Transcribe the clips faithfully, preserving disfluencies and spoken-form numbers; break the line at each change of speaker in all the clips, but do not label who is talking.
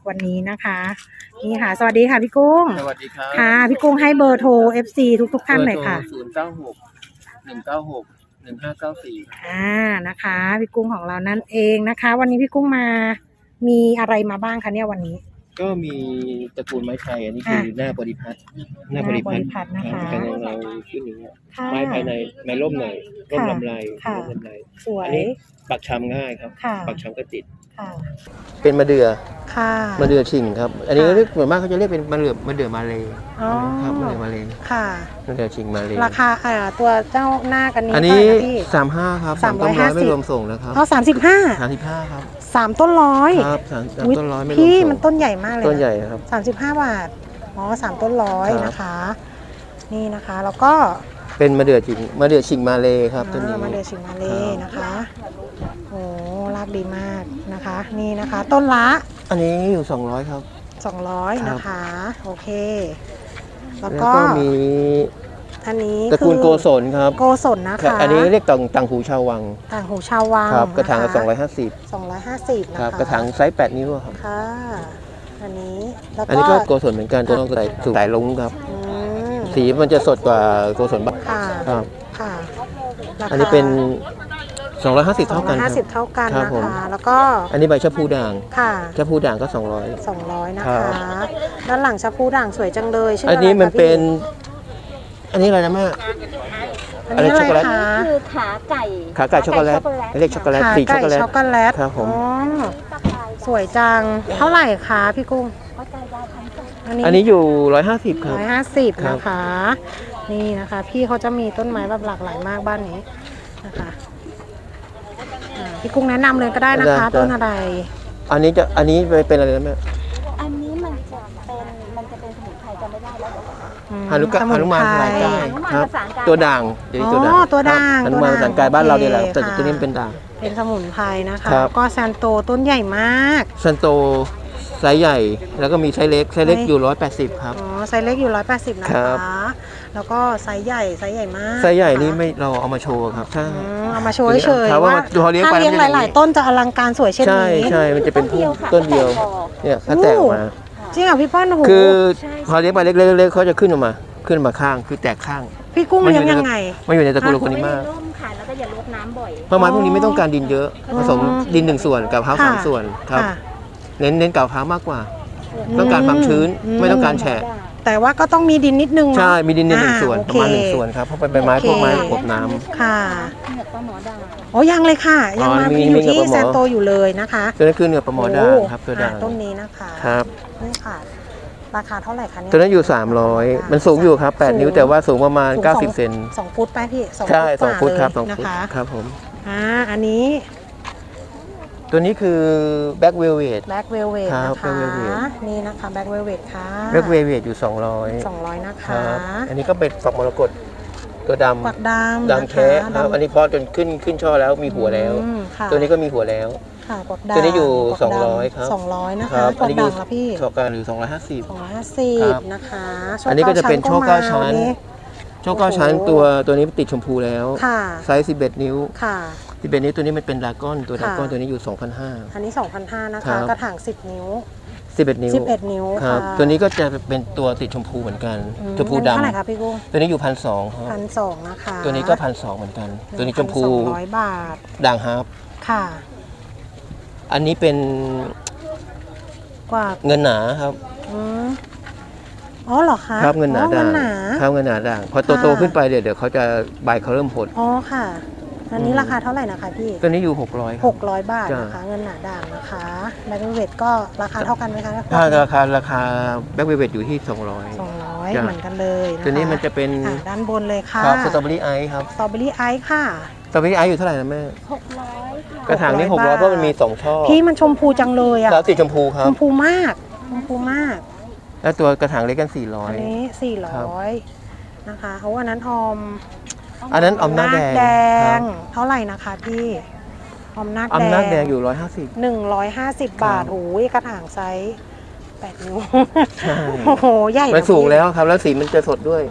วันนี้นะคะนี่ค่ะสวัสดีค่ะพี่กุ้ง
สวัสดีครับ
ค่ะพี่กุ้งให้เบอร์โทร เอฟ ซี ทุกทุกท่านหน่อยค่ะ
ศูนย์เก้าหกหนึ่งเก้าหกหนึ่งห้าเก้าสี่
อ่านะคะพี่กุ้งของเรานั่นเองนะคะ วันนี้พี่กุ้งมามีอะไรมาบ้างคะเนี่ยวันนี้
ก็มีตระกูลไม้ไทยอันนี้คือหน้าบริพัตรหน้าบริพัตร
นะคะ
เป็นเงาขึ้นอย่างเงี้ยไม้ภายในไม้ร่มหน่อยร่มลำไรร่มลำไร
สวย
อันนี้ปักชำง่ายครับปักชำก็ติดเป็นมะเดื่อ
ค่ะ
มะเดื่อชิงครับอันนี้เรียกเหมือนมากเขาจะเรียกเป็นมะเดื่อมะเดื่อมาเลยครับมะเดื่อมาเลย
ค่ะ
มะเดื่อชิงมาเลย
ราคาอ่าตัวเจ้าหน้ากันนี้
อันนี้สามห้าครับสามต้นร้อยไม่รวมส่งนะครับ
เอาสามสิบห้า
สามสิบห้าครับ
สามต้นร้อย
ครับสามต้นร้อยไม่รวมส่ง
พี่มันต้นใหญ่มากเลย
ต้นใหญ่ครับ
สามสิบห้าบาทอ๋อสามต้นร้อยนะคะนี่นะคะแล้วก็
เป็นมะเดื่อชิงมะเดื่อชิงมาเลยครับตัวนี้
มะเดื่อชิงมาเลยนะคะโอ้รากดีมากนะคะนี่นะคะต้นละ
อันนี้อยู่สองร้อยครับ
สองร้อยนะคะโอเคแล้วก็
มี
อันนี้
ตระกูลโกศลครับ
โกศลนะคะ
อันนี้เรียกต่างต่างหูชาววัง
ต่างหูชาววัง
ครับกระถางละสองร้อยห้าสิบ
สองร้อยห้าสิบนะคะ
กระถางไซส์แปดนิ้วครับ
ค่ะอันนี้
แล้วก็อันนี้ก็โกศลเหมือนกันตัวน้องสายสายลุงครับสีมันจะสดกว่าโกศลบ้างครับ
ค่ะ
อันนี้เป็นสองร้อยห้าสิบเท่ากัน
ห้าสิบเท่ากันนะคะแล้วก็
อันนี้ใบชะพูด่าง
ค่ะ
ชะพูด่างก็สองร้อย
สองร้อยนะคะด้านหลังชะพูด่างสวยจังเลยชื่อ
อะไรอันนี้มันเป็นอันนี้อะไรนะแม่
อันนี้ช็อกโกแลต
คือขาไก่
ขาไก่ช็อกโกแลตเรียกช็อกโกแลตสีช็อกโกแลต
ช็อกโกแลต
ครับผม
สวยจังเท่าไหร่คะพี่กุ้ง
อันนี้อยู่ร้อยห้าสิบครับ
ร้อยห้าสิบนะคะนี่นะคะพี่เขาจะมีต้นไม้แบบหลากหลายมากบ้านนี้นะคะพี่กุ้งแนะนำเลยก็ได้นะคะต้นอะไร
อันนี้จะอันนี้เป็นอะไรนะแม่
อันนี้มันจะเป็นมันจะเป็นสมุนไพรจะไม่ได้แล้ว
ฮานุกะฮานุมานภาษากายครับตัวด่างเดี๋ยวตัวด่าง
ตัวด่าง
ฮานุมานภาษากายบ้านเราเนี่ยแหละแต่ตัวนี้เป็นด่าง
เป็นสมุนไพรนะคะก็ซันโตต้นใหญ่มาก
ซันโตไซส์ใหญ่แล้วก็มีไซส์เล็กไซส์เล็กอยู่ร้อยแปดสิบครับ
อ๋อไซส์เล็กอยู่ร้อยแปดสิบนะคะแล้วก็ไซส์ใหญ่ไซส์ใหญ่มาก
ไซส์ใหญ่นี่ไม่เราเอามาโชว์ครับใช่
เอามาโชว์เฉยๆว่าถ้าเลี้ยงหลายๆต้นจะอลังการสวยเช่นนี้
ใช่ใช่มันจะเป็นต้นเดียวเนี่ยเขาแตกออกมา
จริงเหรอพี่ป้อนหู
คือพอเลี้ยงไปเล็กๆเขาจะขึ้นออกมาขึ้นมาข้างคือแตกข้าง
พี่กุ้งเลี้ยงยังไง
มันอยู่ในตระกูลโคนิมา
ร่มค่ะแล้วก็อย่าลดน้ำบ่อย
เพราะไม้พวกนี้ไม่ต้องการดินเยอะผสมดินหนึ่งส่วนกับเท้าสามส่วนครับเน้นเน้นกับเท้ามากกว่าต้องการความชื้นไม่ต้องการแฉะ
แต่ว่าก็ต้องมีดินนิดนึง
ใช่มีดินในหนึ่งส่วนประมาณหนึ่งส่วนครับเพราะเป็นใบไม้พวกไม้กบน้
ำค่ะ
เหนือปลาหมอด่าง
โอ้ยังเลยค่ะยังมาอยู่ที่แซนโตอยู่เลยนะคะ
ตัวนี้คือเหนือปลาหมอด่างครับตัวด่าง
ต้นนี้นะคะ
ครับ
นี่ค่ะราคาเท่าไหร่คะเนี่ย
ตัวนั้นอยู่สามร้อยมันสูงอยู่ครับแปดนิ้วแต่ว่าสูงประมาณเก้าสิบเซน
สองฟุตไปพี่
ใช่สองฟุตครับสองฟุตครับผม
อ่าอันนี้
ตัวนี้คือแบ็กเวลเวท
แบ็กเวลเวทนะคะนี่นะคะแบ็กเวลเวทค่ะ
แบ็กเวลเวทอยู่สองร้อย
สองร้อยนะคะ
อันนี้ก็เป็นฝักมรกตตัวดำ
ฝักดำ
ดำแท้ครับอันนี้พอจนขึ้นขึ้นช่อแล้วมีหัวแล้วตัวนี้ก็มีหัวแล้ว
ค่ะฝักดำ
ตัวนี้อยู่สองร้อยครับ
สองร้อยนะคะฝักดำละพี่
ช็อกการหรือสองร้อยห้าสิบ
สองร้อยห้าสิบนะคะ
อันนี้ก็จะเป็นโชคเก้าชั้นโชคเก้าชั้นตัวตัวนี้ติดชมพูแล้วไซส์สิบเอ็ดนิ้ว
ค่ะ
สิบเอ็ดนิ้วตัวนี้มันเป็นดราก้อนตัวดราก้อนตัวนี้อยู่ สองพันห้าร้อย
อันนี้ สองพันห้าร้อย นะคะกระถางสิบนิ้ว
สิบเอ็ดนิ้ว
สิบเอ็ดนิ้ว
ครับตัวนี้ก็จะเป็นตัวติดชมพูเหมือนกันชมพูดำ
เท่าไหร่คะพี่กุ้ง
ตัวนี้อยู่พันสองครับ
พันสองนะคะ
ตัวนี้ก็พันสองเหมือนกันตัวนี้ชมพู
สองร้อยบาท
ด่างฮาร์ป
ค่ะ
อันนี้เป็น
กว่า
เงินหนาครับ
อ๋อเหรอคะ
ครับเงินหนาด่างครับเงินหนาด่างพอโตๆขึ้นไปเดี๋ยวเดี๋ยวเขาจะใบเขาเริ่มหด
อ๋อค่ะอันนี้ราคาเท่าไหร่นะคะพี่
ตัวนี้อยู่หกร้อย
หกร้อยบาทนะคะเงินหนาด่างนะคะแบ็คเวลเวทก็ราคาเท่ากันไหมคะ
ถ้าราคาราคาแบ็คเวลเวทอยู่ที่สองร้อย
สองร้อยเหมือนกันเลยนะคะ
ตัวนี้มันจะเป็น
ด้านบนเลยค่ะ
สตรอเบอรี่ไอซ์ครับ
สตรอเบอรี่ไอซ์ค่ะ
สตรอเบอรี่ไอซ์อยู่เท่าไหร่นะแม่
หกร้อย
กระถางนี้หกร้อยเพราะมันมีสองช่อ
พี่มันชมพูจังเลยอะ
แล้วสีชมพูครับ
ชมพูมากชมพูมาก
แล้วตัวกระถางเล็กกันสี่ร้อย
อันนี้สี่ร้อยนะคะเพราะว่านั้นออม
อันนั้นอมนาคแด
งเท่าไหร่นะคะพี่อมนาคแดง
อมนาคแดงอยู่ร้อยห้าสิบ
หนึ่งร้อยห้าสิบบาทโอ้ยกระถางไซส์แปดนิ้วโอ้โหใหญ่
มันสูงแล้วครับแล้วสีมันจะสดด้วย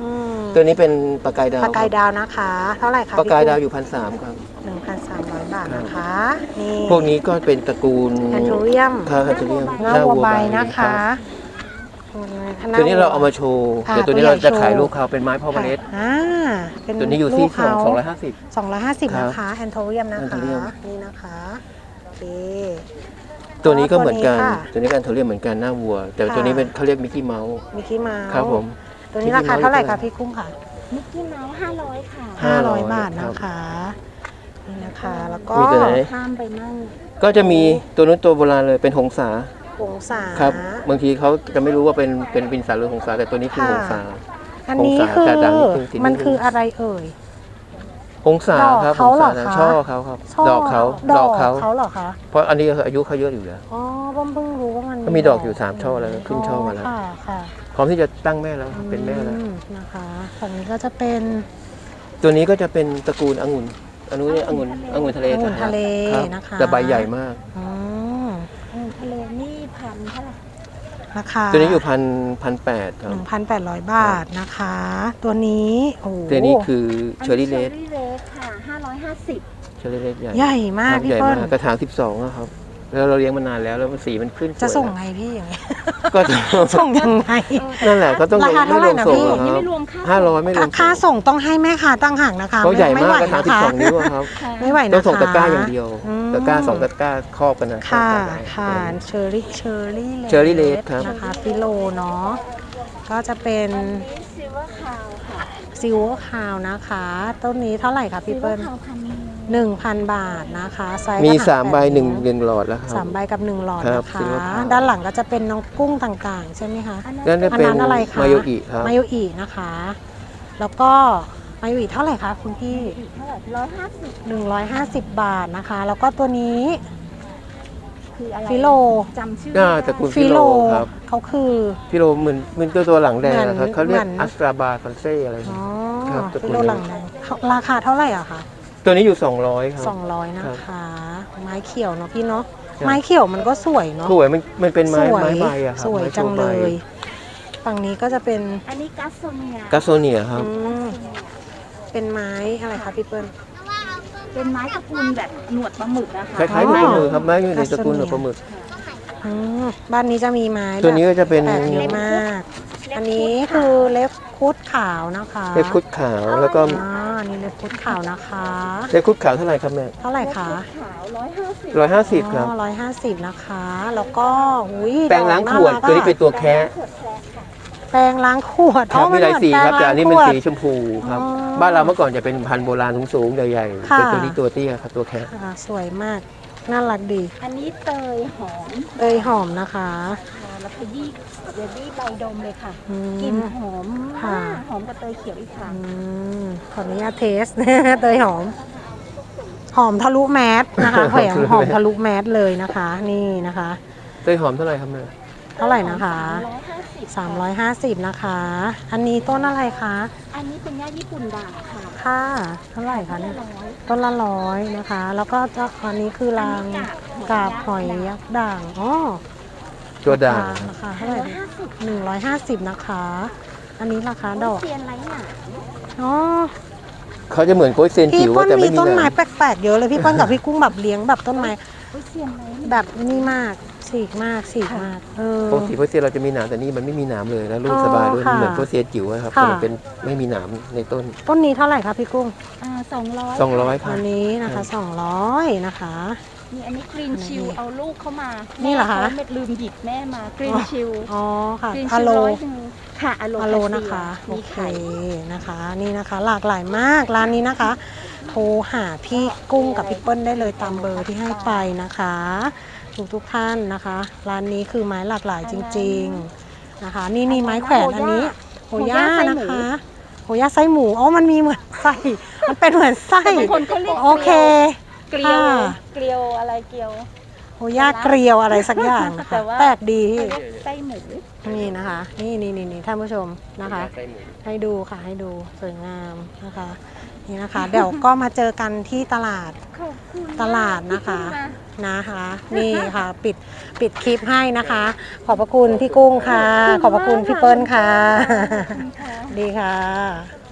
ตัวนี้เป็นปลากายดาว
ปลากายดาวนะคะ เท่าไหร่คะ
ปลากายดาวอยู่พันสามครับ
หนึ่งพันสามร้อยบาทนะคะนี่
พวกนี้ก็เป็นตระกูล
แอนโทเรียม
ครับแอนโทเรียม
เนื้อวัวใบนะคะ
ตัวนี้เราเอามาโชว์
ค่ะ
แต่ตัวนี้เรา
ตัวใหญ่
จะขาย
โชว์
ลูกเขาเป็นไม้พ่อเมล็ด
อ่าเป็น
ตัวนี้อยู่ที่
ลูกเขา
สองร้อยห้าสิบ
สองร้อยห้าสิบ
ครับ
นะคะแอนโทเรียมนะคะ
Anthurium
นี่นะคะโอเค
ตัวนี้ก็เหมือนกัน
ค่ะ
ตัวนี้กันเขาเรียกเหมือนกันหน้าวัว แต่
ค่ะ
ตัวนี้เป็นเขาเรียกมิกกี้เมาส์
มิกกี้เมาส์
ครับผม
ตัวนี้ราคาเท่าไหร่คะพี่กุ้งค่ะ
มิกกี้เมาส์ห้าร้อยค่ะ
ห้าร้อย
ห้าร้อย
บาท
ครั
นะ
บ
คะนี่นะคะแล้วก็
มีตัวไหน
ข้ามไปมั่ง
ก็จะมีตัวนู้นตัวโบราณเลยเป็นหงสา
องศา
ครับบางทีเขาจะไม่รู้ว่าเป็นเป็นบินสาหรือหงสาแต่ตัวนี้คือหงสา
อันนี้
องศา
คือ
จะดังนิดนึงสีนิดนึง
มันคืออะไรเอ่ย
หงสาครับ
ดอกเขาเหรอ
หงส
คะ
ช่อเขาครับ
ช่อ
ดอกเขา
ด
ด
อ
อก กเขา
เขาเหรอคะ
เพราะอันนี้อายุเขาเยอะอยู่แล้ว
อ๋อผมเพิ่งรู้ว่ามัน
ก็มีดอกอยู่สามช่อแล้วขึ้นช่อมาแล้ว
ค่ะค่ะ
พร้อมที่จะตั้งแม่แล้วเป็นแม่แล้ว
อืมนะคะฝั่งนี้ก็จะเป็น
ตัวนี้ก็จะเป็นตระกูลองุ่นอันนู้นเนี่ยองุ่นองุ่นทะเล
องุ่นทะเล
ครับ
นะคะ
แต่ใบใหญ่มาก
อืม
เออทะเลนี่พันเท่าไหร่
ราคา
ตัวนี้อยู่พันพันแปดครับ
หนึ่งพันแปดร้อยบาทนะคะ ตัวนี้โอ้โห
ตัวนี้คือเชอร์รี่เลส
เชอรี่เลสค่ะห้าร้อยห้าสิบ
เชอร์รี่เลสใหญ่
ใหญ่มาก
ครับ
พี่
ใหญ่
เปิ้ล
มากกระถางสิบสองอะครับ แล้วเราเลี้ยงมานานแล้วแล้วสีมันขึ้นสวย
จะส่ง
แล้ว
ไงพี่อย่างเงี้ย
ก็จะ
ส่งยังไง
นั่นแหละก็ต้อง
ราคาเท่าไหร่นะ
ส่ง
พี่
อะค
นี่
รั
ไม่
บ
รวมค่า
ห้าร้อยไม่รวม
ค่าส่งต้องให้แม่ค้าตั้งห่างนะคะ
เขาใหญ่
ไม่
มาก
ไหว
กระถาง
นะ
สิบ
คะ
สองนิ้วอะครับ
ไม่ไหวนะคะ
ต้องส่งตะกร้าอย่างเดียว
อืม
ตะกร้าสองตะกร้าครอบกันนะ
ค่ะ
ครอบกัน
ค่ะ เชอร์รี่ เชอร์รี่
Cherry Red ครับ
นะคะฟิโลเนาะ ก็จะเป็น
ซิลเวอร์คาวค่ะ
ซิลเวอร์คาวนะคะ ต้นนี้เท่าไหร่คะพี่เปิ้ล
ซิลวอร์คาวพันหนึ่ง
หนึ่งพันบาทนะคะไซส์
มี
กระถง
สามใบ
แปด
หนึ่ง
ว
หนึ่งหลอดแล้วครับ
สามใบกับหนึ่งหลอด
ครับ
นะคะ
Silver Crown
ด้านหลังก็จะเป็นน้องกุ้งต่างๆ ใช่ไหมคะ
นั่นจะ
อัน
เป็น
นั้นอะไรคะ
มาโยอิครับ
มาโยอินะคะ แล้วก็มาโยอิเท่าไหร่คะคุณพี่
เท่าไหร่ร้อยห้าสิบ
หนึ่งร้อยห้าสิบบาทนะคะ แล้วก็ตัวนี้
คืออะไร
ฟิโล
จำชื่อ
อ่า
ไม่
ตระกู
ได้
ล
ฟิโล
ครับ
เขาคือ
พี่โรเหมือนเหมือนตัวตัวหลังแดงนะครับ
เหมือน
เขาเรียก
เหมือน
อัสตราบาคอนเซ่อะไร
อ๋อ
ครับตระกูล
ฟิโลหลังแดงราคาเท่าไหร่อะคะ
ตัวนี้อยู่สองร้อยครับ
สองร้อยนะ
ครั
คะ ไม้เขียวเนาะพี่เนาะ
ครับ
ไม้เขียวมันก็สวยเนาะ
สวยมันมันเป็นไม้
สวย
ไม้ใบอะครับ
สวย
ไม้โช
จัง
ว์
เล
ใบ
ย ฝั่งนี้ก็จะเป็น
อันนี้กัสโซเนีย
กัสโซเนียครับ
อืมเป็นไม้อะไรคะพี่เปิ้ล
เป็นไม้ตระกูลแบบหนวดปลาหมึกนะคะ
คล้ายๆ
อ๋อ
หนูปลาหมึกครับไม้อยู่ในตระกูลหนู
กัสโซเนีย
ปลาหมึก
อืมบ้านนี้จะมีไม้
ตัวนี้ก็จะเป็น
แปลกเยอะมาก อันนี้คือเล็บคุดขาวนะคะ
เล็บคุดขาวแล้วก็
อ่าอันนี่เล็บคุดขาวนะคะ
เล็บคุดขาวเท่าไหร่ครับแม่
เท่าไหร่คะ
ขาวร้อยห้าสิบ
ร้อยห้าสิบครับ
ร้อยห้าสิบนะคะ แล้วก็อุ้ย
แปรงล้างขวด
ดอก
ตัวนี้เป็นตัวแคะ
ขวดแคร์ค่ะ
แปรงล้างขวด
ครับมีหลายสีครับแต่อันนี้เป็นสีชมพูครับ
อ๋อ
บ้านเราเมื่อก่อนจะเป็นพันธุ์โบราณสูงๆใหญ่ๆ
ค่ะ
เป็นตัวนี้ตัวเตี้ยครับตัวแคะ
อ่าสวยมาก น่ารักดี
อันนี้เตยหอม
เตยหอมนะคะ
ค่ะแล้วขยี้เดี๋ยวดี้ใบดมเลยค่ะ
อืม
กลิ่นหอม
ค่ะ
มากหอมกว่าเตยเขียวอีกค่ะ
อืมขออนุญาตเทส เตยหอม หอมทะลุแมสนะคะแผงหอมทะลุแมสเลยนะคะ นี่นะคะ
เต้ยหอมเท่าไหร่ครับแม่
เท่าไหร่นะคะ
สามร้อยห้าสิบ
สามร้อยห้าสิบนะคะ อันนี้ต้นอะไรคะ
อันนี้เป็นหญ้าญี่ปุ่นด่างค่ะ
ค่ะ เท่าไหร่คะเนี่ย
ร้อย
ต้นละร้อยนะคะ แล้วก็จะอันนี้คือรางกาบหอยยักษ์ด่าง อ๋อ
ตัวด่าง
ราคาเท่าไหร่
ร้อยห้าสิบ
หนึ่งร้อยห้าสิบนะคะ อันนี้ราคาดอก
เซียนไรหนา
อ๋อ
เขาจะเหมือนโกยเซน
พี่
จิ๋ว
เปิ้ล
แต่
มี
ไม่มี
ต้น
ห
ไม้
นาม
แปลกๆเยอะเลยพี่เปิ้ลกับพี่กุ้งแบบเลี้ยงแบบต้นไม้
โอ้ยเซียนไร
แบบนี่มากฉีกมากฉีกมาก เออ
ปกติโกยเซนเราจะมีหนามแต่นี่มันไม่มีหนามเลยแล้วลู
อ๋
ก
อ
สบายด้วย
ค่ะ
เหมือนโกยเซนจิ๋วอะครับ
ค่ะ
แต่มันเป็นไม่มีหนามในต้น
ต้นนี้เท่าไหร่คะพี่กุ้ง
อ่าสองร้อย
สองร้อยครั
อั
บ
นนี้นะคะสองร้อยนะคะ
นี่อันนี้กรีนชิลเอาลูกเข้ามา
นี่เหรอคะ
แม่ขาลืมหยิบแม่มากรีนชิล
อ๋อค่ะ
กรีน
อะ
ชิล
โล
ร้อยหนึ่งค่ะอะโล
อะโลนะคะโอ
มี
เค
ไข่
นะคะ นี่นะคะ หลากหลายมากร้านนี้นะคะ โทรหาพี่กุ้งกับพี่เปิ้ลได้เลยตามเบอร์ที่ให้ไปนะคะทุกทุกๆท่านนะคะ ร้านนี้คือไม้หลากหลายจริง ๆนะคะ นี่นี่ไม้แขวนอันนี้โหย่านะคะโหย่าไส้หมูอ๋อมันมีเหมือนไส้มันเป็นเหมือนไส้
บางคนเขาเรียก
โอเค
เกลียว
ค่ะ
เกลียวอะไรเกลียว
โหย่าเกลียวอะไรสักอย่างนะ
แต่
คะ
ว่า
แปลกดี
เขาเรียกไส้หมู
นี่นะคะ นี่นี่นี่นี่ท่านผู้ชมนะคะ ให้ดูค่ะให้ดูสวยงามนะคะ นี่นะคะ เดี๋ยวก็มาเจอกันที่ตลาด
ขอบคุณ
ตลาดนะคะ
ที่มา
นะคะ นี่ค่ะปิดปิดคลิปให้นะคะ ขอบพระคุณพี่กุ้งค่ะ ขอบพระคุณพี่เปิ้ลค่ะ
ขอบคุณค่ะ
ดีค่ะ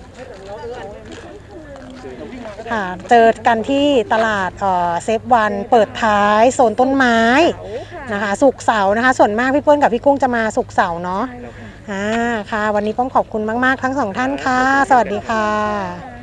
ค่ะ เจอกันที่ตลาดเอ่อเซฟวันเปิดท้ายโซนต้นไม้นะคะสุกร์เสาร์นะคะ ส่วนมากพี่เปิ้ลกับพี่กุ้งจะมาสุกร์เสาร์เนาะอ่าค่ะ วันนี้ป้อมขอบคุณมากๆทั้งสองท่านค่ะ สวัสดีค่ะ